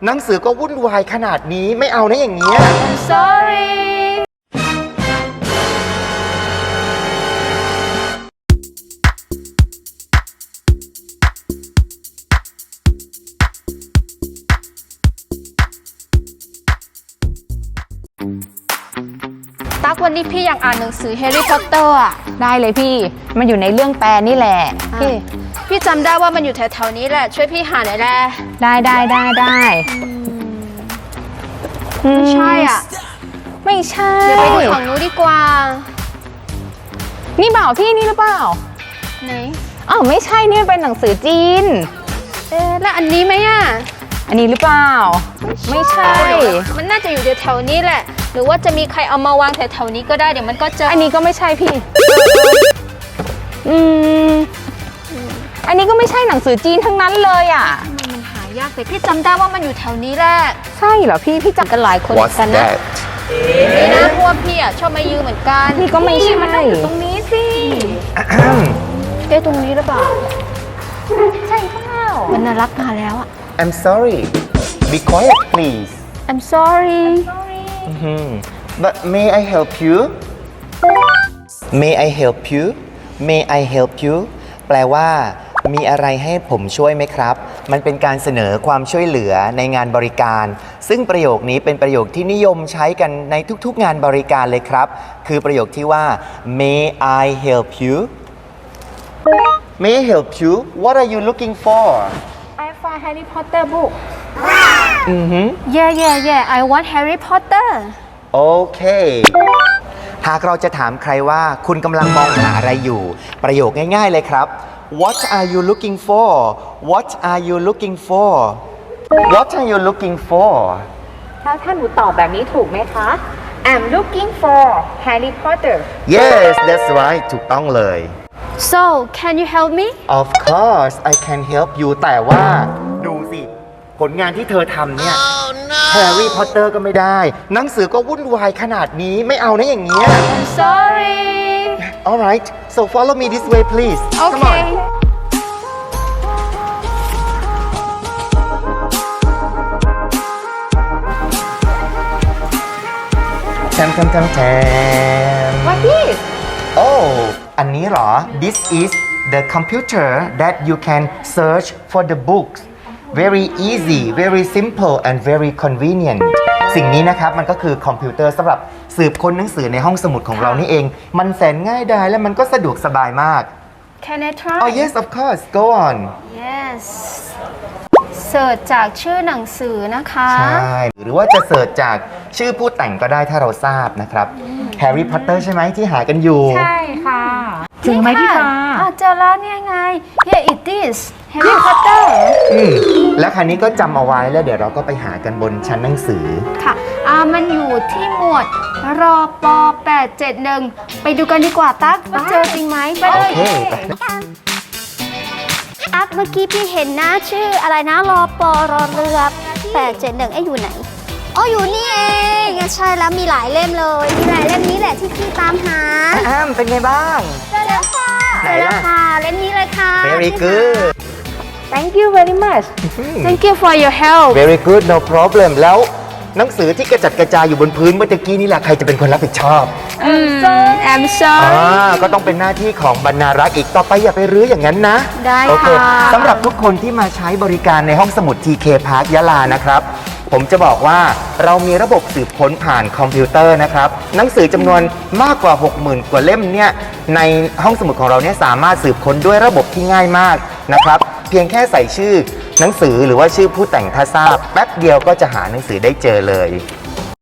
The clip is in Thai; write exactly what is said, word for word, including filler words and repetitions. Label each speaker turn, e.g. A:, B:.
A: หนังสือก็วุ่นวายขนาดนี้ไม่เอานะอย่างเงี้ย
B: I'm sorryตั๊กวันนี้พี่อยากอ่านหนังสือแฮร์รี่พอตเตอร์อ่ะ
C: ได้เลยพี่มันอยู่ในเรื่องแปลนี่แหละพี่
B: พี่จำได้ว่ามันอยู่แถวๆนี้แหละช่วยพี่หาหน่อยแหละ
C: ได้ได้ได้ได้
B: ไม่ใช่อ่ะ
C: ไม่ใช่
B: เดี๋ยวไปดูของนู้นดีกว่า
C: นี่เปล่าพี่นี่หรือเปล่า
B: ไหน
C: อ๋อไม่ใช่นี่เป็นหนังสือจีน
B: เอ๊ะแล้วอันนี้ไหมอ่ะ
C: อันนี้หรือเปล่าไม่ใช่
B: มันน่าจะอยู่แถวๆนี้แหละหรือว่าจะมีใครเอามาวางแถวๆนี้ก็ได้เดี๋ยวมันก็เจอ
C: อันนี้ก็ไม่ใช่พี่อืมอันนี้ก็ไม่ใช่หนังสือจีนทั้งนั้นเลยอ่ะ
B: มันหายากแต่พี่จำได้ว่ามันอยู่แถวนี้แหละ
C: ใช่เหรอพี่พี่จำกันหลายคนกันนะ
B: นี่นะพวกพี่อ่ะชอบมายืมเหมือนกัน
C: นี่ก็ไม่ใช่
B: มันอยู่ตรงนี้สิเอ๊ะตรงนี้หรือเปล่า
C: ใช่เปล่า
B: มันน่ารักมาแล้วอ่ะ
A: I'm sorry be quiet please
B: I'm sorry
A: but may I help you may I help you may I help you แปลว่ามีอะไรให้ผมช่วยไหมครับมันเป็นการเสนอความช่วยเหลือในงานบริการซึ่งประโยคนี้เป็นประโยคที่นิยมใช้กันในทุกๆงานบริการเลยครับคือประโยคที่ว่า may I help you may I help you what are you looking for
B: I find Harry Potter book
A: อือฮึ
B: yeah yeah yeah I want Harry Potter
A: โอเคหากเราจะถามใครว่าคุณกำลังมองหาอะไรอยู่ประโยคง่ายๆเลยครับWhat are you looking for? What are you looking for? What are you looking for?
C: แล้วถ้าหนูตอบแบบนี้ถูกไหมคะ I'm looking for Harry Potter.
A: Yes, that's right. ถูกต้องเลย
B: So, can you help me?
A: Of course, I can help you. แต่ว่าดูสิผลงานที่เธอทำเนี่ย Harry Potter ก็ไม่ได้หนังสือก็วุ่นวายขนาดนี้ไม่เอานะอย่างเงี้ย
B: I'm sorry.
A: All right, so follow me this way, please.
B: Okay.
A: Tam tam tam tam.
C: What is?
A: Oh, อันนี้เหรอ This is the computer that you can search for the books. Very easy, very simple, and very convenient. สิ่งนี้นะครับมันก็คือคอมพิวเตอร์สำหรับสืบค้นหนังสือในห้องสมุดของเรานี่เองมันแสนง่ายดายและมันก็สะดวกสบายมาก
B: Can I try?
A: Oh yes, of course. Go on.
B: Yes. เสิร์ชจากชื่อหนังสือนะคะ
A: ใช่หรือว่าจะเสิร์ชจากชื่อผู้แต่งก็ได้ถ้าเราทราบนะครับ Harry Potter ใช่ไหมที่หากันอยู่
C: ใช่ค่ะถึงไหมพี่ฟ้า
B: อ่ะเจอแล้วเนี่ยไง Here it is Harry Potter
A: อืมแล้วคราวนี้ก็จำเอาไว้แล้วเดี๋ยวเราก็ไปหากันบนชั้นหนังสือ
B: ค่ะอ่ามันอยู่ที่หมวดรอปอแปดเจ็ดหนึ่งไปดูกันดีกว่าตั๊กว่าเจอจริงไหมไปเลย
D: ตั๊กเมื่อกี้พี่เห็นนะชื่ออะไรนะรอปอรอเรือแปดเจ็ดหนึ่งไอ้อยู่ไหนอ๋ออยู่นี่เองใช่แล้วมีหลายเล่มเลยมีหลายเล่มนี้แหละที่พี่ตามหา
A: อ้ามเป็นไงบ้าง
D: เจอแล้วค่ะ
A: เจ
D: อแล้วค่ะเล่มนี้เลยค่ะ
A: Very good
C: Thank you very much
B: Thank you for your help
A: Very good no problem แล้วหนังสือที่กระจัดกระจายอยู่บนพื้นเมื่อกี้นี่แหละใครจะเป็นคนรับผิดชอบ
B: I'm sorry
A: อ่าก็ต้องเป็นหน้าที่ของบรรณารักษ์อีกต่อไปอย่าไปรื้ออย่างนั้นนะ
B: ได้ค่ะ
A: โอเคสำหรับทุกคนที่มาใช้บริการในห้องสมุด ที เค Park ยะลานะครับผมจะบอกว่าเรามีระบบสืบค้นผ่านคอมพิวเตอร์นะครับหนังสือจำนวนมากกว่า หกหมื่น กว่าเล่มเนี่ยในห้องสมุดของเราเนี่ยสามารถสืบค้นด้วยระบบที่ง่ายมากนะครับเพียงแค่ใส่ชื่อหนังสือหรือว่าชื่อผู้แต่งถ้าทราบแป๊บเดียวก็จะหาหนังสือได้เจอเลย